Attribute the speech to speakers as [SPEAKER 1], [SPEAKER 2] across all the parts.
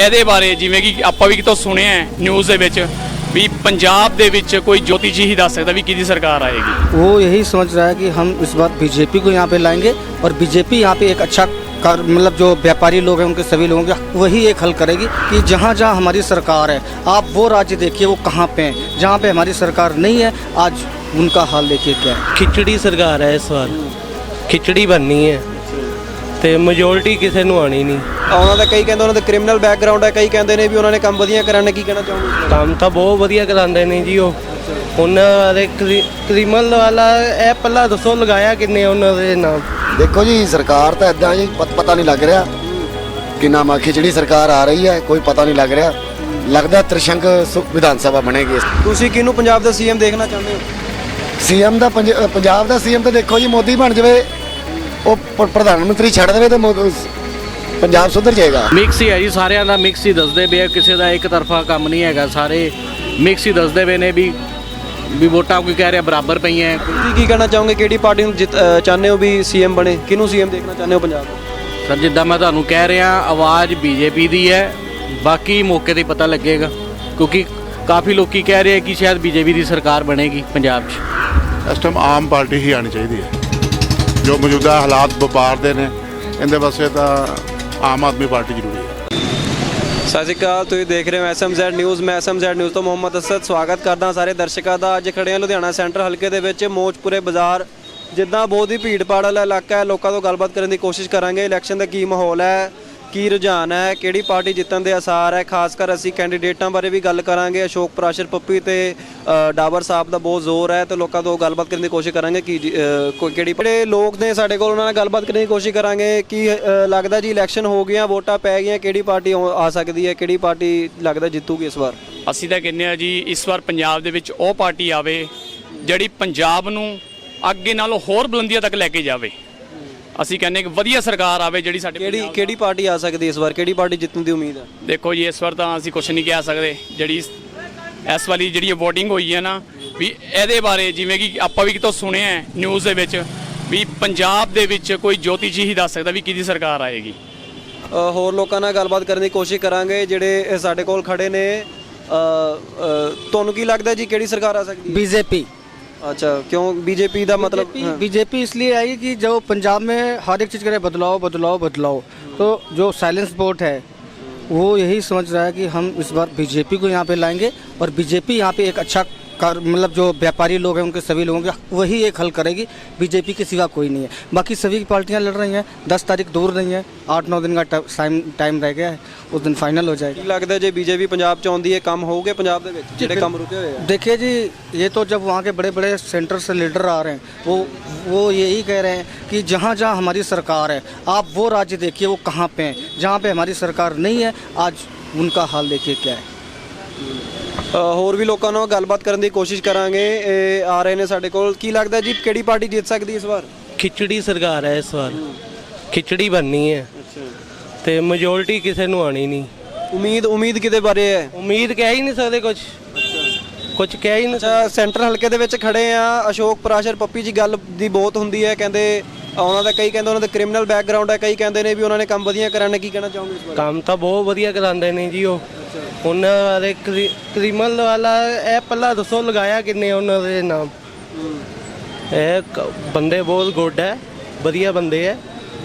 [SPEAKER 1] ਇਹਦੇ ਬਾਰੇ ਜਿਵੇਂ ਕਿ ਆਪਾਂ ਵੀ ਕਿਤੋਂ ਸੁਣਿਆ ਨਿਊਜ਼ ਦੇ ਵਿੱਚ भी पंजाब दे विच कोई ज्योतिष ही दस सकता भी किहदी सरकार आएगी।
[SPEAKER 2] वो यही सोच रहा है कि हम इस बार बीजेपी को यहाँ पे लाएंगे और बीजेपी यहाँ पे एक अच्छा मतलब जो व्यापारी लोग हैं उनके सभी लोगों के वही एक हल करेगी कि जहाँ जहाँ हमारी सरकार है आप वो राज्य देखिए वो कहाँ पे हैं, जहाँ पे हमारी सरकार नहीं है आज उनका हाल देखिए क्या है।
[SPEAKER 3] खिचड़ी सरकार है इस बार, खिचड़ी बननी है ਤੇ ਮੈਜੋਰਟੀ ਕਿਸੇ ਨੂੰ ਆਣੀ ਨਹੀਂ।
[SPEAKER 4] ਉਹਨਾਂ ਦਾ ਕਈ ਕਹਿੰਦੇ ਉਹਨਾਂ ਦਾ ਕ੍ਰਿਮੀਨਲ ਬੈਕਗ੍ਰਾਉਂਡ ਹੈ, ਕਈ ਕਹਿੰਦੇ ਨੇ ਵੀ ਉਹਨਾਂ ਨੇ ਕੰਮ ਵਧੀਆ ਕਰਾਣੇ। ਕੀ ਕਹਿਣਾ ਚਾਹੋਗੇ?
[SPEAKER 3] ਕੰਮ ਤਾਂ ਬਹੁਤ ਵਧੀਆ ਕਰਾਉਂਦੇ ਨੇ ਜੀ ਉਹ। ਉਹਨਾਂ ਦੇ ਕ੍ਰਿਮੀਨਲ ਵਾਲਾ ਇਹ ਪੱਲਾ ਦੱਸੋ ਲਗਾਇਆ ਕਿੰਨੇ ਉਹਨਾਂ ਦੇ ਨਾਮ?
[SPEAKER 5] देखो जी सरकार तो इदा जी पता नहीं लग रहा कि नाम खिचड़ी सरकार आ रही है, कोई पता नहीं लग रहा। लगता त्रिशंक विधान सभा बनेगी।
[SPEAKER 4] ਤੁਸੀਂ ਕਿਹਨੂੰ ਪੰਜਾਬ ਦਾ ਸੀਐਮ ਦੇਖਣਾ ਚਾਹੁੰਦੇ ਹੋ?
[SPEAKER 5] सीएम ਦਾ पंजाब ਦਾ सीएम तो देखो जी मोदी बन जाए, ਉਹ ਪ੍ਰਧਾਨ ਮੰਤਰੀ ਛੱਡ ਦੇਵੇ ਤਾਂ ਪੰਜਾਬ ਸੁਧਰ ਜਾਏਗਾ।
[SPEAKER 6] ਮਿਕਸ ਹੀ ਹੈ ਜੀ, ਸਾਰਿਆਂ ਦਾ ਮਿਕਸ ਹੀ ਦੱਸਦੇ ਪਏ, ਕਿਸੇ ਦਾ ਇੱਕ ਤਰਫਾ ਕੰਮ ਨਹੀਂ ਹੈਗਾ, ਸਾਰੇ ਮਿਕਸ ਹੀ ਦੱਸਦੇ ਪਏ ਨੇ ਵੀ ਵੋਟਾਂ ਕੋਈ ਕਹਿ ਰਿਹਾ ਬਰਾਬਰ ਪਈਆਂ।
[SPEAKER 4] ਤੁਸੀਂ ਕੀ ਕਹਿਣਾ ਚਾਹੋਗੇ? ਕਿਹੜੀ ਪਾਰਟੀ ਨੂੰ ਚਾਹੁੰਦੇ ਹੋ ਵੀ ਸੀਐਮ ਬਣੇ? ਕਿਹਨੂੰ ਸੀਐਮ ਦੇਖਣਾ ਚਾਹੁੰਦੇ ਹੋ ਪੰਜਾਬ ਦਾ?
[SPEAKER 6] ਸਰ ਜਿੱਦਾਂ ਮੈਂ ਤੁਹਾਨੂੰ ਕਹਿ ਰਿਹਾ ਆਵਾਜ਼ ਬੀਜੇਪੀ ਦੀ ਹੈ, ਬਾਕੀ ਮੌਕੇ ਤੇ ਪਤਾ ਲੱਗੇਗਾ ਕਿਉਂਕਿ ਕਾਫੀ ਲੋਕੀ ਕਹਿ ਰਹੇ ਕਿ ਸ਼ਾਇਦ ਬੀਜੇਪੀ ਦੀ ਸਰਕਾਰ ਬਣੇਗੀ ਪੰਜਾਬ 'ਚ।
[SPEAKER 7] ਇਸ ਟਾਈਮ ਆਮ ਪਾਰਟੀ ਹੀ ਆਣੀ ਚਾਹੀਦੀ ਹੈ। ਜੋ ਮੌਜੂਦਾ ਹਾਲਾਤ ਵਪਾਰ ਦੇ ਨੇ ਇਹਦੇ ਵਾਸਤੇ ਤਾਂ ਆਮ ਆਦਮੀ ਪਾਰਟੀ ਜ਼ਰੂਰੀ ਹੈ।
[SPEAKER 4] ਸਤਿ ਸ਼੍ਰੀ ਅਕਾਲ, ਤੁਸੀਂ ਦੇਖ ਰਹੇ ਹੋ SMZ ਨਿਊਜ਼। ਮੈਂ SMZ ਨਿਊਜ਼ ਤੋਂ ਮੁਹੰਮਦ ਅਸਦ ਸਵਾਗਤ ਕਰਦਾ ਸਾਰੇ ਦਰਸ਼ਕਾਂ ਦਾ। ਅੱਜ ਖੜੇ ਹਾਂ ਲੁਧਿਆਣਾ ਸੈਂਟਰ ਹਲਕੇ ਦੇ ਵਿੱਚ ਮੋਚਪੁਰੇ ਬਾਜ਼ਾਰ। ਜਿੱਦਾਂ ਬਹੁਤ ਹੀ ਭੀੜ ਭਾੜ ਵਾਲਾ ਇਲਾਕਾ ਹੈ, ਲੋਕਾਂ ਤੋਂ ਗੱਲਬਾਤ ਕਰਨ ਦੀ ਕੋਸ਼ਿਸ਼ ਕਰਾਂਗੇ। ਇਲੈਕਸ਼ਨ ਦਾ ਕੀ ਮਾਹੌਲ ਹੈ, ਕੀ ਰੁਝਾਨ ਹੈ, ਕਿਹੜੀ ਪਾਰਟੀ ਜਿੱਤਣ ਦੇ ਆਸਾਰ ਹੈ। ਖਾਸ ਕਰ ਅਸੀਂ ਕੈਂਡੀਡੇਟਾਂ ਬਾਰੇ ਵੀ ਗੱਲ ਕਰਾਂਗੇ। ਅਸ਼ੋਕ ਪ੍ਰਾਸ਼ਰ ਪੱਪੀ ਤੇ ਡਾਬਰ ਸਾਹਿਬ ਦਾ ਬਹੁਤ ਜ਼ੋਰ ਹੈ ਤੇ ਲੋਕਾਂ ਤੋਂ ਗੱਲਬਾਤ ਕਰਨ ਦੀ ਕੋਸ਼ਿਸ਼ ਕਰਾਂਗੇ ਕਿ ਕਿਹੜੀ ਜਿਹੜੇ ਲੋਕ ਨੇ ਸਾਡੇ ਕੋਲ ਉਹਨਾਂ ਨਾਲ ਗੱਲਬਾਤ ਕਰਨ ਦੀ ਕੋਸ਼ਿਸ਼ ਕਰਾਂਗੇ। ਕੀ ਲੱਗਦਾ ਜੀ ਇਲੈਕਸ਼ਨ ਹੋ ਗਈਆਂ, ਵੋਟਾਂ ਪੈ ਗਈਆਂ, ਕਿਹੜੀ ਪਾਰਟੀ ਆ ਸਕਦੀ ਹੈ, ਕਿਹੜੀ ਪਾਰਟੀ ਲੱਗਦਾ ਜਿੱਤੂਗੀ ਇਸ ਵਾਰ?
[SPEAKER 1] ਅਸੀਂ ਤਾਂ ਕਹਿੰਦੇ ਆ ਜੀ ਇਸ ਵਾਰ ਪੰਜਾਬ ਦੇ ਵਿੱਚ ਉਹ ਪਾਰਟੀ ਆਵੇ ਜਿਹੜੀ ਪੰਜਾਬ ਨੂੰ ਅੱਗੇ ਨਾਲੋਂ ਹੋਰ ਬੁਲੰਦੀਆਂ ਤੱਕ ਲੈ ਕੇ ਜਾਵੇ। ਅਸੀਂ ਕਹਿੰਦੇ ਕਿ ਵਧੀਆ ਸਰਕਾਰ ਆਵੇ ਜਿਹੜੀ ਸਾਡੇ
[SPEAKER 4] ਕਿਹੜੀ ਪਾਰਟੀ ਆ ਸਕਦੀ ਇਸ ਵਾਰ? ਕਿਹੜੀ ਪਾਰਟੀ ਜਿੱਤਣ ਦੀ ਉਮੀਦ ਹੈ?
[SPEAKER 1] ਦੇਖੋ ਜੀ ਇਸ ਵਾਰ ਤਾਂ ਅਸੀਂ ਕੁਝ ਨਹੀਂ ਕਹਿ ਸਕਦੇ। ਜਿਹੜੀ ਇਸ ਵਾਲੀ ਜਿਹੜੀ ਵੋਟਿੰਗ ਹੋਈ ਹੈ ਨਾ ਵੀ ਇਹਦੇ ਬਾਰੇ ਜਿਵੇਂ ਕਿ ਆਪਾਂ ਵੀ ਕਿਤੋਂ ਸੁਣਿਆ ਨਿਊਜ਼ ਦੇ ਵਿੱਚ ਵੀ ਪੰਜਾਬ ਦੇ ਵਿੱਚ ਕੋਈ ਜੋਤਿਸ਼ ਹੀ ਦੱਸ ਸਕਦਾ ਵੀ ਕਿਹਦੀ ਸਰਕਾਰ ਆਏਗੀ।
[SPEAKER 4] ਹੋਰ ਲੋਕਾਂ ਨਾਲ ਗੱਲਬਾਤ ਕਰਨ ਦੀ ਕੋਸ਼ਿਸ਼ ਕਰਾਂਗੇ ਜਿਹੜੇ ਸਾਡੇ ਕੋਲ ਖੜੇ ਨੇ। ਤੁਹਾਨੂੰ ਕੀ ਲੱਗਦਾ ਜੀ ਕਿਹੜੀ ਸਰਕਾਰ ਆ ਸਕਦੀ ਹੈ?
[SPEAKER 2] बीजेपी।
[SPEAKER 4] अच्छा, क्यों बीजेपी का मतलब?
[SPEAKER 2] बीजेपी इसलिए आएगी कि जो पंजाब में हर एक चीज़ करे बदलाव बदलाव बदलाव, तो जो साइलेंस वोट है वो यही समझ रहा है कि हम इस बार बीजेपी को यहाँ पे लाएंगे और बीजेपी यहाँ पे एक अच्छा मतलब जो व्यापारी लोग हैं उनके सभी लोगों के वही एक हल करेगी। बीजेपी के सिवा कोई नहीं है। बाकी सभी पार्टियां लड़ रही हैं। 10 तारीख दूर नहीं है, 8-9 दिन का टाइम रह गया है, उस दिन फाइनल हो जाएगी।
[SPEAKER 4] लगता है जो बीजेपी पंजाब च आउंदी है काम होगे पंजाब दे विच जेडे काम रुके हुए हैं?
[SPEAKER 2] देखिए जी ये तो जब वहाँ के बड़े बड़े सेंटर से लीडर आ रहे हैं वो यही कह रहे हैं कि जहाँ जहाँ हमारी सरकार है आप वो राज्य देखिए वो कहाँ पे हैं, जहाँ पे हमारी सरकार नहीं है आज उनका हाल देखिए क्या है।
[SPEAKER 4] ਹੋਰ ਵੀ ਲੋਕਾਂ ਨਾਲ ਗੱਲਬਾਤ ਕਰਨ ਦੀ ਕੋਸ਼ਿਸ਼ ਕਰਾਂਗੇ। ਇਹ ਆ ਰਹੇ ਨੇ ਸਾਡੇ ਕੋਲ। ਕੀ ਲੱਗਦਾ ਜੀ ਕਿਹੜੀ ਪਾਰਟੀ ਜਿੱਤ ਸਕਦੀ ਇਸ ਵਾਰ?
[SPEAKER 3] ਖਿਚੜੀ ਸਰਕਾਰ ਹੈ ਇਸ ਵਾਰ, ਖਿਚੜੀ ਬਣਨੀ ਹੈ ਤੇ ਮੈਜੋਰਟੀ ਕਿਸੇ ਨੂੰ ਆਣੀ ਨਹੀਂ।
[SPEAKER 4] ਉਮੀਦ ਕਿਹਦੇ ਬਾਰੇ ਹੈ?
[SPEAKER 3] ਉਮੀਦ ਕਹਿ ਹੀ ਨਹੀਂ ਸਕਦੇ, ਕੁਝ ਕਹਿ ਹੀ ਨਹੀਂ।
[SPEAKER 4] ਅੱਛਾ, ਸੈਂਟਰ ਹਲਕੇ ਦੇ ਵਿੱਚ ਖੜੇ ਆ। ਅਸ਼ੋਕ ਪ੍ਰਾਸ਼ਰ ਪੱਪੀ ਜੀ ਗੱਲ ਦੀ ਬਹੁਤ ਹੁੰਦੀ ਹੈ, ਕਹਿੰਦੇ ਉਹਨਾਂ ਦਾ ਕਈ ਕਹਿੰਦੇ ਉਹਨਾਂ ਦਾ ਕ੍ਰਿਮੀਨਲ ਬੈਕਗ੍ਰਾਉਂਡ ਹੈ, ਕਈ ਕਹਿੰਦੇ ਨੇ ਵੀ ਉਹਨਾਂ ਨੇ ਕੰਮ ਵਧੀਆ ਕਰਾਣੇ। ਕੀ ਕਹਿਣਾ ਚਾਹੋਗੇ ਇਸ ਬਾਰੇ?
[SPEAKER 3] ਕੰਮ ਤਾਂ ਬਹੁਤ ਵਧੀਆ ਕਰਾਉਂਦੇ ਨੇ ਜੀ ਉਹ। ਉਹਨਾਂ ਦੇ ਕ੍ਰਿਮੀਨਲ ਵਾਲਾ ਇਹ ਪੱਲਾ ਦੱਸੋ ਲਗਾਇਆ ਕਿੰਨੇ ਉਹਨਾਂ ਦੇ ਨਾਮ? ਇਹ ਬੰਦੇ ਬਹੁਤ ਗੁੱਡ ਹੈ, ਵਧੀਆ ਬੰਦੇ ਹੈ।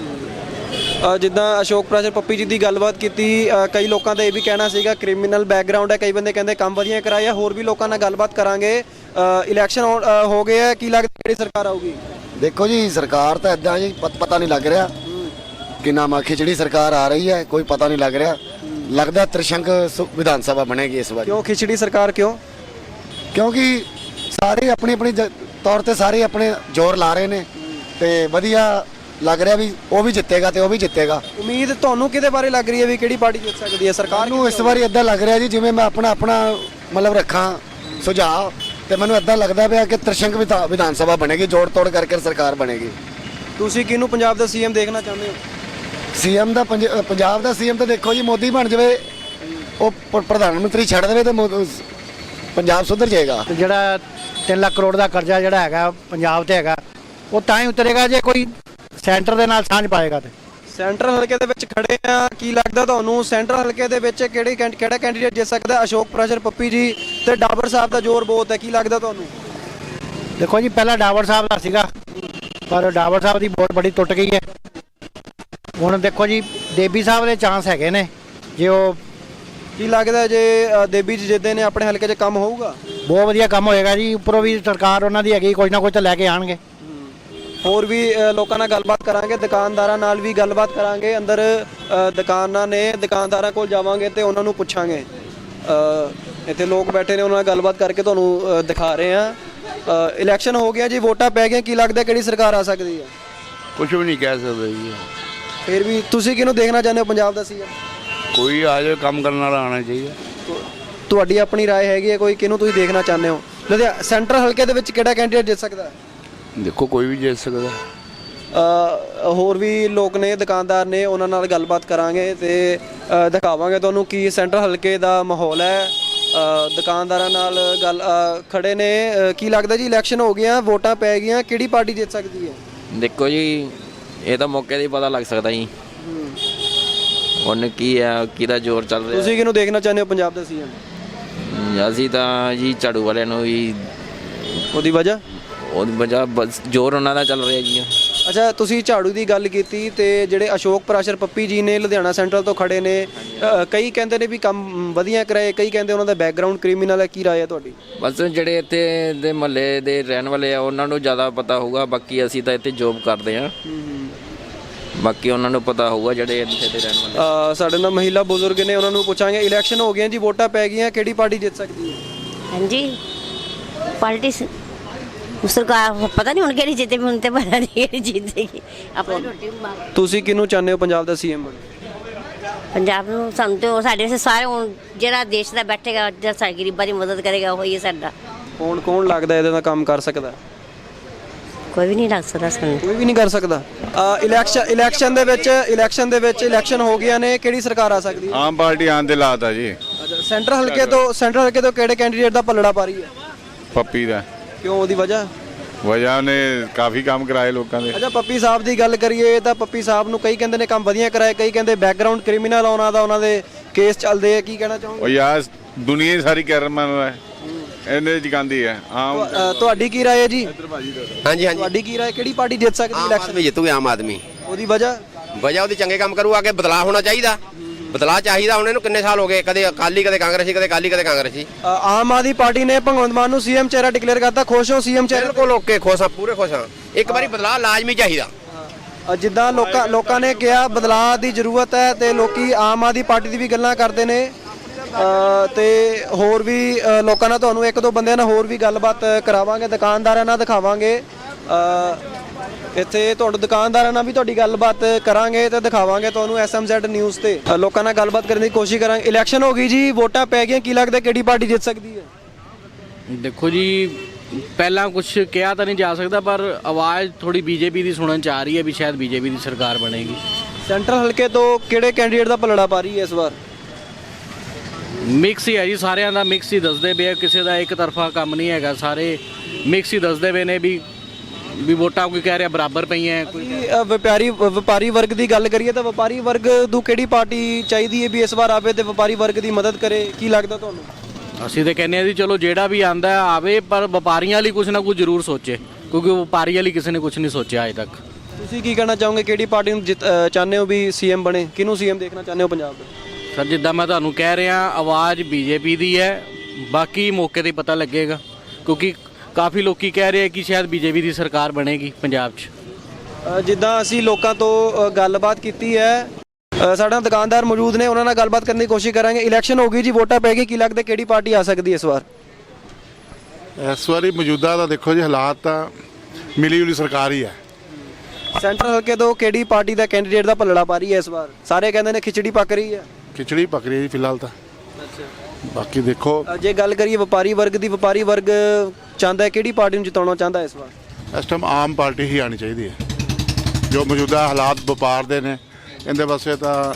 [SPEAKER 4] ਜਿੱਦਾਂ ਅਸ਼ੋਕ ਪ੍ਰਾਸ਼ਰ ਪੱਪੀ ਜੀ ਦੀ ਗੱਲਬਾਤ ਕੀਤੀ, ਕਈ ਲੋਕਾਂ ਦਾ ਇਹ ਵੀ ਕਹਿਣਾ ਸੀਗਾ ਕ੍ਰਿਮੀਨਲ ਬੈਕਗ੍ਰਾਉਂਡ ਹੈ, ਕਈ ਬੰਦੇ ਕਹਿੰਦੇ ਕੰਮ ਵਧੀਆ ਕਰਾਇਆ। ਹੋਰ ਵੀ ਲੋਕਾਂ ਨਾਲ ਗੱਲਬਾਤ ਕਰਾਂਗੇ। ਇਲੈਕਸ਼ਨ ਹੋ ਗਏ ਹੈ, ਕੀ ਲੱਗਦਾ ਕਿਹੜੀ ਸਰਕਾਰ ਆਊਗੀ?
[SPEAKER 5] देखो जी सरकार तो इदा जी पता नहीं लग रहा कि नाम खिचड़ी सरकार आ रही है, कोई पता नहीं लग रहा। लगता त्रिशंक विधान सभा बनेगी इस बार।
[SPEAKER 4] क्यों खिचड़ी सरकार?
[SPEAKER 5] क्योंकि सारे अपनी अपनी तौर पर सारे अपने जोर ला रहे हैं तो वधिया लग रहा भी वो भी जितेगा तो वो भी जितेगा।
[SPEAKER 4] उम्मीद ਤੁਹਾਨੂੰ ਕਿਹਦੇ ਬਾਰੇ ਲੱਗ ਰਹੀ ਹੈ ਵੀ ਕਿਹੜੀ ਪਾਰਟੀ ਜਿੱਤ ਸਕਦੀ ਹੈ? ਸਰਕਾਰ
[SPEAKER 5] ਨੂੰ ਇਸ ਵਾਰੀ ਇਦਾਂ ਲੱਗ ਰਿਹਾ ਜੀ ਜਿਵੇਂ ਮੈਂ ਆਪਣਾ ਮਤਲਬ ਰੱਖਾਂ ਸੁਝਾਅ ਤੇ ਮੈਨੂੰ ਇਦਾਂ ਲੱਗਦਾ ਪਿਆ ਕਿ त्रिशंक ਵਿਧਾਨ ਸਭਾ ਬਣੇਗੀ, ਜੋੜ ਤੋੜ ਕਰਕੇ ਸਰਕਾਰ ਬਣੇਗੀ।
[SPEAKER 4] ਤੁਸੀਂ ਕਿਹਨੂੰ ਪੰਜਾਬ ਦਾ ਸੀਐਮ ਦੇਖਣਾ ਚਾਹੁੰਦੇ ਹੋ?
[SPEAKER 5] ਸੀਐਮ ਦਾ ਪੰਜਾਬ ਦਾ ਸੀਐਮ ਤਾਂ ਦੇਖੋ ਜੀ ਮੋਦੀ ਬਣ ਜਾਵੇ, ਉਹ ਪ੍ਰਧਾਨ ਮੰਤਰੀ ਛੱਡ ਦੇਵੇ ਤਾਂ ਪੰਜਾਬ ਸੁਧਰ ਜਾਏਗਾ।
[SPEAKER 2] ਜਿਹੜਾ 3 ਲੱਖ ਕਰੋੜ ਦਾ ਕਰਜ਼ਾ ਜਿਹੜਾ ਹੈਗਾ ਪੰਜਾਬ ਤੇ ਹੈਗਾ ਉਹ ਤਾਂ ਹੀ ਉਤਰੇਗਾ ਜੇ ਕੋਈ ਸੈਂਟਰ ਦੇ ਨਾਲ ਸਾਂਝ ਪਾਏਗਾ। ਤੇ
[SPEAKER 4] ਸੈਂਟਰਲ ਹਲਕੇ ਦੇ ਵਿੱਚ ਖੜੇ ਆ, ਕੀ ਲੱਗਦਾ ਤੁਹਾਨੂੰ ਸੈਂਟਰਲ ਹਲਕੇ ਦੇ ਵਿੱਚ ਕਿਹੜਾ ਕੈਂਡੀਡੇਟ ਜਿੱਤ ਸਕਦਾ? ਅਸ਼ੋਕ ਪ੍ਰਾਸ਼ਰ ਪੱਪੀ ਜੀ ਤੇ ਡਾਬਰ ਸਾਹਿਬ ਦਾ ਜ਼ੋਰ ਬਹੁਤ ਹੈ, ਕੀ ਲੱਗਦਾ ਤੁਹਾਨੂੰ?
[SPEAKER 8] ਦੇਖੋ ਜੀ, ਪਹਿਲਾਂ ਡਾਵਰ ਸਾਹਿਬ ਦਾ ਸੀਗਾ, ਪਰ ਡਾਵਰ ਸਾਹਿਬ ਦੀ ਵੋਟ ਬੜੀ ਟੁੱਟ ਗਈ ਹੈ। ਹੁਣ ਦੇਖੋ ਜੀ, ਦੇਬੀ ਸਾਹਿਬ ਦੇ ਚਾਂਸ ਹੈਗੇ ਨੇ, ਜੇ ਉਹ
[SPEAKER 4] ਕੀ ਲੱਗਦਾ ਜੇ ਦੇਬੀ ਜੀ ਜਿੱਦੇ ਨੇ ਆਪਣੇ ਹਲਕੇ 'ਚ ਕੰਮ ਹੋਊਗਾ?
[SPEAKER 8] ਬਹੁਤ ਵਧੀਆ ਕੰਮ ਹੋਏਗਾ ਜੀ। ਉੱਪਰੋਂ ਵੀ ਸਰਕਾਰ ਉਹਨਾਂ ਦੀ ਹੈਗੀ, ਕੁਝ ਨਾ ਕੁਝ ਤਾਂ ਲੈ ਕੇ ਆਣਗੇ।
[SPEAKER 4] ਹੋਰ ਵੀ ਲੋਕਾਂ ਨਾਲ ਗੱਲਬਾਤ ਕਰਾਂਗੇ, ਦੁਕਾਨਦਾਰਾਂ ਨਾਲ ਵੀ ਗੱਲਬਾਤ ਕਰਾਂਗੇ। ਅੰਦਰ ਦੁਕਾਨਾਂ ਨੇ, ਦੁਕਾਨਦਾਰਾਂ ਕੋਲ ਜਾਵਾਂਗੇ ਤੇ ਉਹਨਾਂ ਨੂੰ ਪੁੱਛਾਂਗੇ। ਇੱਥੇ ਲੋਕ ਬੈਠੇ ਨੇ, ਉਹਨਾਂ ਨਾਲ ਗੱਲਬਾਤ ਕਰਕੇ ਤੁਹਾਨੂੰ ਦਿਖਾ ਰਹੇ ਆ। ਇਲੈਕਸ਼ਨ ਹੋ ਗਿਆ ਜੀ, ਵੋਟਾਂ ਪੈ ਗਈਆਂ, ਕੀ ਲੱਗਦਾ ਕਿਹੜੀ ਸਰਕਾਰ ਆ ਸਕਦੀ ਹੈ?
[SPEAKER 9] ਕੁਝ ਵੀ ਨਹੀਂ ਕਹਿ ਸਕਦੇ ਜੀ।
[SPEAKER 4] ਫਿਰ ਵੀ ਤੁਸੀਂ ਕਿਹਨੂੰ ਦੇਖਣਾ ਚਾਹੁੰਦੇ ਹੋ ਪੰਜਾਬ ਦਾ ਸੀਐਮ?
[SPEAKER 9] ਕੋਈ ਆ ਜਾਵੇ, ਕੰਮ ਕਰਨ ਵਾਲਾ ਆਉਣਾ ਚਾਹੀਦਾ।
[SPEAKER 4] ਤੁਹਾਡੀ ਆਪਣੀ رائے ਹੈਗੀ ਹੈ ਕੋਈ, ਕਿਹਨੂੰ ਤੁਸੀਂ ਦੇਖਣਾ ਚਾਹੁੰਦੇ ਹੋ? ਲੁਧਿਆਣਾ ਸੈਂਟਰਲ ਹਲਕੇ ਦੇ ਵਿੱਚ ਕਿਹੜਾ ਕੈਂਡੀਡੇਟ ਜਿੱਤ ਸਕਦਾ ਹੈ?
[SPEAKER 9] ਦੇਖੋ, ਕੋਈ ਵੀ ਜਿੱਤ ਸਕਦਾ।
[SPEAKER 4] ਹੋਰ ਵੀ ਲੋਕ ਨੇ, ਦੁਕਾਨਦਾਰ ਨੇ, ਉਹਨਾਂ ਨਾਲ ਗੱਲਬਾਤ ਕਰਾਂਗੇ ਤੇ ਦਿਖਾਵਾਂਗੇ ਤੁਹਾਨੂੰ ਕੀ ਸੈਂਟਰਲ ਹਲਕੇ ਦਾ ਮਾਹੌਲ ਹੈ। ਦੁਕਾਨਦਾਰਾਂ ਨਾਲ ਗੱਲ ਖੜੇ ਨੇ। ਕੀ ਲੱਗਦਾ ਜੀ, ਇਲੈਕਸ਼ਨ ਹੋ ਗਿਆ, ਵੋਟਾਂ ਪੈ ਗਈਆਂ, ਕਿਹੜੀ ਪਾਰਟੀ ਜਿੱਤ ਸਕਦੀ ਹੈ?
[SPEAKER 10] ਦੇਖੋ ਜੀ, ਇਹ ਤਾਂ ਮੌਕੇ 'ਤੇ ਹੀ ਪਤਾ ਲੱਗ ਸਕਦਾ ਜੀ ਹੁਣ ਕੀ ਹੈ, ਕਿਹਦਾ ਜ਼ੋਰ ਚੱਲ ਰਿਹਾ।
[SPEAKER 4] ਤੁਸੀਂ ਕਿਹਨੂੰ ਦੇਖਣਾ ਚਾਹੁੰਦੇ ਹੋ ਪੰਜਾਬ ਦਾ ਸੀਐਮ?
[SPEAKER 10] ਅਸੀਂ ਤਾਂ ਜੀ ਝਾੜੂ ਵਾਲਿਆਂ ਨੂੰ ਹੀ।
[SPEAKER 4] ਉਹਦੀ ਵਜ੍ਹਾ
[SPEAKER 10] ਬਸ ਜ਼ੋਰ ਉਹਨਾਂ ਦਾ ਚੱਲ ਰਿਹਾ ਜੀ।
[SPEAKER 4] ਅੱਛਾ, ਤੁਸੀਂ ਝਾੜੂ ਦੀ ਗੱਲ ਕੀਤੀ ਤੇ ਜਿਹੜੇ ਅਸ਼ੋਕ ਪ੍ਰਾਸ਼ਰ ਪੱਪੀ ਜੀ ਨੇ ਲੁਧਿਆਣਾ ਸੈਂਟਰਲ ਤੋਂ ਖੜੇ ਨੇ, ਕਈ ਕਹਿੰਦੇ ਨੇ ਵੀ ਕੰਮ ਵਧੀਆ ਕਰਾਏ, ਕਈ ਕਹਿੰਦੇ ਉਹਨਾਂ ਦਾ ਬੈਕਗ੍ਰਾਉਂਡ ਕ੍ਰਿਮੀਨਲ ਹੈ, ਕੀ ਰਾਏ ਹੈ ਤੁਹਾਡੀ?
[SPEAKER 10] ਬਸ ਜਿਹੜੇ ਇੱਥੇ ਦੇ ਮਹੱਲੇ ਦੇ ਰਹਿਣ ਵਾਲੇ ਆ ਉਹਨਾਂ ਨੂੰ ਜ਼ਿਆਦਾ ਪਤਾ ਹੋਊਗਾ, ਬਾਕੀ ਅਸੀਂ ਤਾਂ ਇੱਥੇ ਜੋਬ ਕਰਦੇ ਹਾਂ, ਬਾਕੀ ਉਹਨਾਂ ਨੂੰ ਪਤਾ ਹੋਊਗਾ ਜਿਹੜੇ ਇੱਥੇ ਦੇ ਰਹਿਣ ਵਾਲੇ।
[SPEAKER 4] ਸਾਡੇ ਨਾਲ ਮਹਿਲਾ ਬਜ਼ੁਰਗ ਨੇ, ਉਹਨਾਂ ਨੂੰ ਪੁੱਛਾਂਗੇ। ਇਲੈਕਸ਼ਨ ਹੋ ਗਏ ਜੀ, ਵੋਟਾਂ ਪੈ ਗਈਆਂ, ਕਿਹੜੀ ਪਾਰਟੀ ਜਿੱਤ ਸਕਦੀ ਹੈ?
[SPEAKER 11] ਹਾਂਜੀ, ਪਾਰਟੀ ਸਰਕਾਰ ਪਤਾ ਨਹੀਂ ਹੁਣ ਕਿਹੜੀ ਜਿੱਤੇ, ਹੁਣ ਤੇ ਪਤਾ ਨਹੀਂ ਕਿਹੜੀ ਜਿੱਤੇਗੀ। ਆਪਣੀ ਰੋਟੀ
[SPEAKER 4] ਤੁਸੀਂ ਕਿਹਨੂੰ ਚਾਹੁੰਦੇ ਹੋ ਪੰਜਾਬ ਦਾ ਸੀਐਮ ਬਣੇ?
[SPEAKER 11] ਪੰਜਾਬ ਨੂੰ ਸਾਨੂੰ ਤੇ ਸਾਡੇ ਵਾਸਤੇ ਸਾਰੇ, ਹੁਣ ਜਿਹੜਾ ਦੇਸ਼ ਦਾ ਬੈਠੇਗਾ, ਜਿਹੜਾ ਸਾਡੇ ਗਰੀਬਾਂ ਦੀ ਮਦਦ ਕਰੇਗਾ, ਉਹ ਹੀ ਹੈ ਸਾਡਾ।
[SPEAKER 4] ਕੌਣ ਲੱਗਦਾ ਇਹਦੇ ਨਾਲ ਕੰਮ ਕਰ ਸਕਦਾ?
[SPEAKER 11] ਕੋਈ ਵੀ ਨਹੀਂ ਲੱਗ ਸਕਦਾ ਸਾਨੂੰ।
[SPEAKER 4] ਕੋਈ ਵੀ ਨਹੀਂ ਕਰ ਸਕਦਾ। ਇਲੈਕਸ਼ਨ ਦੇ ਵਿੱਚ ਇਲੈਕਸ਼ਨ ਹੋ ਗਿਆ ਨੇ, ਕਿਹੜੀ ਸਰਕਾਰ ਆ ਸਕਦੀ ਹੈ?
[SPEAKER 7] ਆਮ ਪਾਰਟੀ ਆਉਣ ਦੇ ਲਾਤ ਆ ਜੀ।
[SPEAKER 4] ਅੱਛਾ, ਸੈਂਟਰਲ ਹਲਕੇ ਤੋਂ ਕਿਹੜੇ ਕੈਂਡੀਡੇਟ ਦਾ ਪੱਲੜਾ ਪਾ ਰਹੀ ਹੈ?
[SPEAKER 7] ਪੱਪੀ ਦਾ।
[SPEAKER 4] ਕਿਉਂ, ਉਹਦੀ ਵਜ੍ਹਾ
[SPEAKER 7] ਨੇ ਕਾਫੀ ਕੰਮ ਕਰਾਏ ਲੋਕਾਂ ਦੇ।
[SPEAKER 4] ਅੱਛਾ, ਪੱਪੀ ਸਾਹਿਬ ਦੀ ਗੱਲ ਕਰੀਏ ਤਾਂ ਪੱਪੀ ਸਾਹਿਬ ਨੂੰ ਕਈ ਕਹਿੰਦੇ ਨੇ ਕੰਮ ਵਧੀਆ ਕਰਾਏ, ਕਈ ਕਹਿੰਦੇ ਬੈਕਗ੍ਰਾਉਂਡ ਕ੍ਰਿਮੀਨਲ ਉਹਨਾਂ ਦੇ ਕੇਸ ਚੱਲਦੇ ਆ, ਕੀ ਕਹਿਣਾ ਚਾਹੋਗੇ?
[SPEAKER 7] ਉਹ ਯਾਰ, ਦੁਨੀਆ ਸਾਰੀ ਕਰਮਨ ਹੈ, ਇਹਨੇ ਜਗਾਂਦੀ ਹੈ। ਆਮ
[SPEAKER 4] ਤੁਹਾਡੀ ਕੀ ਰਾਏ ਹੈ ਜੀ?
[SPEAKER 12] ਹਾਂਜੀ ਹਾਂਜੀ,
[SPEAKER 4] ਤੁਹਾਡੀ ਕੀ ਰਾਏ, ਕਿਹੜੀ ਪਾਰਟੀ ਜਿੱਤ ਸਕਦੀ ਇਲੈਕਸ਼ਨ?
[SPEAKER 12] ਆਦਮੀ ਜਿੱਤੂਗੇ, ਆਮ ਆਦਮੀ।
[SPEAKER 4] ਉਹਦੀ ਵਜ੍ਹਾ
[SPEAKER 12] ਉਹਦੀ ਚੰਗੇ ਕੰਮ ਕਰੂ, ਅੱਗੇ ਬਦਲਾਅ ਹੋਣਾ ਚਾਹੀਦਾ। ਬਦਲਾਅ ਚਾਹੀਦਾ। ਹੁਣ ਇਹਨੂੰ ਕਿੰਨੇ ਸਾਲ ਹੋ ਗਏ, ਕਦੇ ਅਕਾਲੀ, ਕਦੇ ਕਾਂਗਰਸੀ, ਕਦੇ ਅਕਾਲੀ, ਕਦੇ ਕਾਂਗਰਸੀ।
[SPEAKER 4] ਆਮ ਆਦਮੀ ਪਾਰਟੀ ਨੇ ਭਗਵੰਤ ਮਾਨ ਨੂੰ ਸੀਐਮ ਚਿਹਰਾ ਡਿਕਲੇਅਰ ਕਰਤਾ, ਖੁਸ਼ ਹੋ ਸੀਐਮ ਚਿਹਰੇ?
[SPEAKER 12] ਬਿਲਕੁਲ ਓਕੇ, ਖੁਸ਼ ਹਾਂ, ਪੂਰੇ ਖੁਸ਼ ਹਾਂ। ਇੱਕ ਵਾਰੀ ਬਦਲਾਅ ਲਾਜ਼ਮੀ ਚਾਹੀਦਾ।
[SPEAKER 4] ਜਿੱਦਾਂ ਲੋਕਾਂ ਨੇ ਕਿਹਾ ਬਦਲਾਅ ਦੀ ਜ਼ਰੂਰਤ ਹੈ ਤੇ ਲੋਕੀ ਆਮ ਆਦਮੀ ਪਾਰਟੀ ਦੀ ਵੀ ਗੱਲਾਂ ਕਰਦੇ ਨੇ। ਤੇ ਹੋਰ ਵੀ ਲੋਕਾਂ ਨਾਲ, ਤੁਹਾਨੂੰ ਇੱਕ ਦੋ ਬੰਦਿਆਂ ਨਾਲ ਹੋਰ ਵੀ ਗੱਲਬਾਤ ਕਰਾਵਾਂਗੇ, ਦੁਕਾਨਦਾਰਾਂ ਨਾਲ ਦਿਖਾਵਾਂਗੇ। ਇੱਥੇ ਤੁਹਾਨੂੰ ਦੁਕਾਨਦਾਰਾਂ ਨਾਲ ਵੀ ਤੁਹਾਡੀ ਗੱਲਬਾਤ ਕਰਾਂਗੇ ਤੇ ਦਿਖਾਵਾਂਗੇ ਤੁਹਾਨੂੰ SMZ ਨਿਊਜ਼ ਤੇ। ਲੋਕਾਂ ਨਾਲ ਗੱਲਬਾਤ ਕਰਨ ਦੀ ਕੋਸ਼ਿਸ਼ ਕਰਾਂਗੇ। ਇਲੈਕਸ਼ਨ ਹੋ ਗਈ ਜੀ, ਵੋਟਾਂ ਪੈ ਗਈਆਂ, ਕੀ ਲੱਗਦਾ ਕਿਹੜੀ ਪਾਰਟੀ ਜਿੱਤ ਸਕਦੀ ਹੈ?
[SPEAKER 6] ਦੇਖੋ ਜੀ, ਪਹਿਲਾਂ ਕੁਝ ਕਿਹਾ ਤਾਂ ਨਹੀਂ ਜਾ ਸਕਦਾ, ਪਰ ਆਵਾਜ਼ ਥੋੜੀ ਬੀਜੇਪੀ ਦੀ ਸੁਣਨ ਚ ਆ ਰਹੀ ਹੈ ਵੀ ਸ਼ਾਇਦ ਬੀਜੇਪੀ ਦੀ ਸਰਕਾਰ ਬਣੇਗੀ।
[SPEAKER 4] ਸੈਂਟਰਲ ਹਲਕੇ ਤੋਂ ਕਿਹੜੇ ਕੈਂਡੀਡੇਟ ਦਾ ਪਲੜਾ ਪਾ ਰਹੀ ਹੈ ਇਸ ਵਾਰ?
[SPEAKER 6] ਮਿਕਸ ਹੀ ਹੈ ਜੀ, ਸਾਰਿਆਂ ਦਾ ਮਿਕਸ ਹੀ ਦੱਸਦੇ ਪਏ, ਕਿਸੇ ਦਾ ਇੱਕ ਤਰਫਾ ਕੰਮ ਨਹੀਂ ਹੈਗਾ, ਸਾਰੇ ਮਿਕਸ ਹੀ ਦੱਸਦੇ ਪਏ ਨੇ ਵੀ ਵੋਟਾਂ ਕੋਈ ਕਹਿ ਰਿਹਾ ਬਰਾਬਰ ਪਈਆਂ। ਕੋਈ
[SPEAKER 4] ਵਪਾਰੀ ਵਰਗ ਦੀ ਗੱਲ ਕਰੀਏ ਤਾਂ ਵਪਾਰੀ ਵਰਗ ਨੂੰ ਕਿਹੜੀ ਪਾਰਟੀ ਚਾਹੀਦੀ ਹੈ ਵੀ ਇਸ ਵਾਰ ਆਵੇ ਤੇ ਵਪਾਰੀ ਵਰਗ ਦੀ ਮਦਦ ਕਰੇ, ਕੀ ਲੱਗਦਾ ਤੁਹਾਨੂੰ?
[SPEAKER 6] ਅਸੀਂ ਤਾਂ ਕਹਿੰਦੇ ਆ ਜੀ, ਚਲੋ ਜਿਹੜਾ ਵੀ ਆਂਦਾ ਆਵੇ, ਪਰ ਵਪਾਰੀਆਂ ਲਈ ਕੁਝ ਨਾ ਕੁਝ ਜ਼ਰੂਰ ਸੋਚੇ, ਕਿਉਂਕਿ ਵਪਾਰੀਆਂ ਲਈ ਕਿਸੇ ਨੇ ਕੁਝ ਨਹੀਂ ਸੋਚਿਆ ਅਜੇ ਤੱਕ।
[SPEAKER 4] ਤੁਸੀਂ ਕੀ ਕਹਿਣਾ ਚਾਹੋਗੇ, ਕਿਹੜੀ ਪਾਰਟੀ ਨੂੰ ਚਾਹੁੰਦੇ ਹੋ ਵੀ ਸੀਐਮ ਬਣੇ, ਕਿਹਨੂੰ ਸੀਐਮ ਦੇਖਣਾ ਚਾਹੁੰਦੇ ਹੋ ਪੰਜਾਬ ਦਾ?
[SPEAKER 6] ਸਰ, ਜਿੱਦਾਂ ਮੈਂ ਤੁਹਾਨੂੰ ਕਹਿ ਰਿਹਾ, ਆਵਾਜ਼ ਬੀਜੇਪੀ ਦੀ ਹੈ, ਬਾਕੀ ਮੌਕੇ 'ਤੇ ਪਤਾ ਲੱਗੇਗਾ, ਕਿਉਂਕਿ ਕਾਫੀ ਲੋਕੀ ਕਹਿ ਰਹੇ ਕਿ ਸ਼ਾਇਦ ਬੀਜੇਪੀ ਦੀ ਸਰਕਾਰ ਬਣੇਗੀ ਪੰਜਾਬ 'ਚ।
[SPEAKER 4] ਜਿੱਦਾਂ ਅਸੀਂ ਲੋਕਾਂ ਤੋਂ ਗੱਲਬਾਤ ਕੀਤੀ ਹੈ, ਸਾਡੇ ਦੁਕਾਨਦਾਰ ਮੌਜੂਦ ਨੇ, ਉਹਨਾਂ ਨਾਲ ਗੱਲਬਾਤ ਕਰਨ ਦੀ ਕੋਸ਼ਿਸ਼ ਕਰਾਂਗੇ। ਇਲੈਕਸ਼ਨ ਹੋ ਗਈ ਜੀ, ਵੋਟਾਂ ਪੈ ਗਈ, ਕੀ ਲੱਗਦਾ ਕਿਹੜੀ ਪਾਰਟੀ ਆ ਸਕਦੀ ਇਸ ਵਾਰ?
[SPEAKER 7] ਇਸ ਵਾਰੀ ਮੌਜੂਦਾ ਤਾਂ ਦੇਖੋ ਜੀ, ਹਾਲਾਤ ਤਾਂ ਮਿਲੀ ਜੁਲੀ ਸਰਕਾਰ ਹੀ ਹੈ।
[SPEAKER 4] ਸੈਂਟਰਲ ਹਲਕੇ ਤੋਂ ਕਿਹੜੀ ਪਾਰਟੀ ਦਾ ਕੈਂਡੀਡੇਟ ਦਾ ਪੱਲੜਾ ਪਾ ਰਹੀ ਹੈ ਇਸ ਵਾਰ? ਸਾਰੇ ਕਹਿੰਦੇ ਨੇ ਖਿਚੜੀ ਪੱਕ ਰਹੀ ਹੈ।
[SPEAKER 7] ਖਿਚੜੀ ਪੱਕ ਰਹੀ ਹੈ ਜੀ ਫਿਲਹਾਲ ਤਾਂ। ਬਾਕੀ ਦੇਖੋ,
[SPEAKER 4] ਜੇ ਗੱਲ ਕਰੀਏ ਵਪਾਰੀ ਵਰਗ ਦੀ, ਵਪਾਰੀ ਵਰਗ ਚਾਹੁੰਦਾ ਹੈ ਕਿਹੜੀ ਪਾਰਟੀ ਨੂੰ ਜਿਤਾਉਣਾ ਚਾਹੁੰਦਾ ਇਸ ਵਾਰ?
[SPEAKER 7] ਇਸ ਟਾਈਮ ਆਮ ਪਾਰਟੀ ਹੀ ਆਣੀ ਚਾਹੀਦੀ ਹੈ। ਜੋ ਮੌਜੂਦਾ ਹਾਲਾਤ ਵਪਾਰ ਦੇ ਨੇ, ਇਹਦੇ ਵਾਸਤੇ ਤਾਂ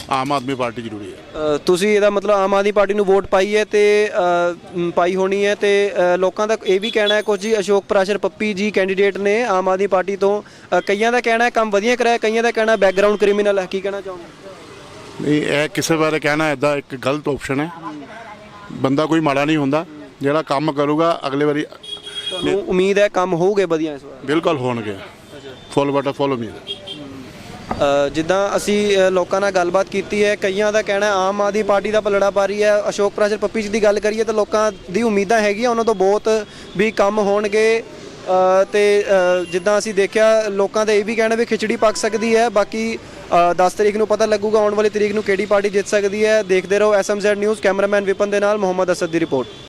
[SPEAKER 7] ਆਮ ਆਦਮੀ ਪਾਰਟੀ ਜ਼ਰੂਰੀ ਹੈ।
[SPEAKER 4] ਤੁਸੀਂ ਇਹਦਾ ਮਤਲਬ ਆਮ ਆਦਮੀ ਪਾਰਟੀ ਨੂੰ ਵੋਟ ਪਾਈ ਹੈ ਤੇ ਪਾਈ ਹੋਣੀ ਹੈ ਤੇ ਲੋਕਾਂ ਦਾ ਇਹ ਵੀ ਕਹਿਣਾ ਹੈ ਕੁਝ ਜੀ ਅਸ਼ੋਕ ਪ੍ਰਾਸ਼ਰ ਪੱਪੀ ਜੀ ਕੈਂਡੀਡੇਟ ਨੇ ਆਮ ਆਦਮੀ ਪਾਰਟੀ ਤੋਂ, ਕਈਆਂ ਦਾ ਕਹਿਣਾ ਹੈ ਕੰਮ ਵਧੀਆ ਕਰਾਇਆ, ਕਈਆਂ ਦਾ ਕਹਿਣਾ ਬੈਕਗ੍ਰਾਉਂਡ ਕ੍ਰਿਮੀਨਲ ਹੈ, ਕੀ ਕਹਿਣਾ ਚਾਹੁੰਦੇ?
[SPEAKER 7] ਨਹੀਂ, ਇਹ ਕਿਸੇ ਬਾਰੇ ਕਹਿਣਾ ਇੱਦਾਂ ਇੱਕ ਗਲਤ ਆਪਸ਼ਨ ਹੈ। ਬੰਦਾ ਕੋਈ ਮਾੜਾ ਨਹੀਂ ਹੁੰਦਾ, ਜਿਹੜਾ ਕੰਮ ਕਰੂਗਾ ਅਗਲੇ ਵਾਰੀ
[SPEAKER 4] ਤੁਹਾਨੂੰ ਉਮੀਦ ਹੈ ਕੰਮ ਹੋਊਗੇ ਵਧੀਆ ਇਸ ਵਾਰ?
[SPEAKER 7] ਬਿਲਕੁਲ ਹੋਣਗੇ, ਫੁੱਲ ਬਟਾ ਫੁੱਲ ਉਮੀਦ ਹੈ।
[SPEAKER 4] ਜਿੱਦਾਂ ਅਸੀਂ ਲੋਕਾਂ ਨਾਲ ਗੱਲਬਾਤ ਕੀਤੀ ਹੈ, ਕਈਆਂ ਦਾ ਕਹਿਣਾ ਆਮ ਆਦਮੀ ਪਾਰਟੀ ਦਾ ਪਲੜਾ ਪਾ ਰਹੀ ਹੈ। ਅਸ਼ੋਕ ਪ੍ਰਾਸ਼ਰ ਪੱਪੀ ਜੀ ਦੀ ਗੱਲ ਕਰੀਏ ਤਾਂ ਲੋਕਾਂ ਦੀ ਉਮੀਦਾਂ ਹੈਗੀਆਂ ਉਹਨਾਂ ਤੋਂ ਬਹੁਤ ਵੀ ਕੰਮ ਹੋਣਗੇ ਤੇ ਜਿੱਦਾਂ ਅਸੀਂ ਦੇਖਿਆ ਲੋਕਾਂ ਦਾ ਇਹ ਵੀ ਕਹਿਣਾ ਵੀ ਖਿਚੜੀ ਪੱਕ ਸਕਦੀ ਹੈ। ਬਾਕੀ 10 ਤਰੀਕ ਨੂੰ ਪਤਾ ਲੱਗੂਗਾ ਆਉਣ ਵਾਲੀ ਤਰੀਕ ਨੂੰ ਕਿਹੜੀ ਪਾਰਟੀ ਜਿੱਤ ਸਕਦੀ ਹੈ। ਦੇਖਦੇ ਰਹੋ SMZ ਨਿਊਜ਼। ਕੈਮਰਾਮੈਨ ਵਿਪਨ ਦੇ ਨਾਲ ਮੁਹੰਮਦ ਅਸਦ ਦੀ ਰਿਪੋਰਟ।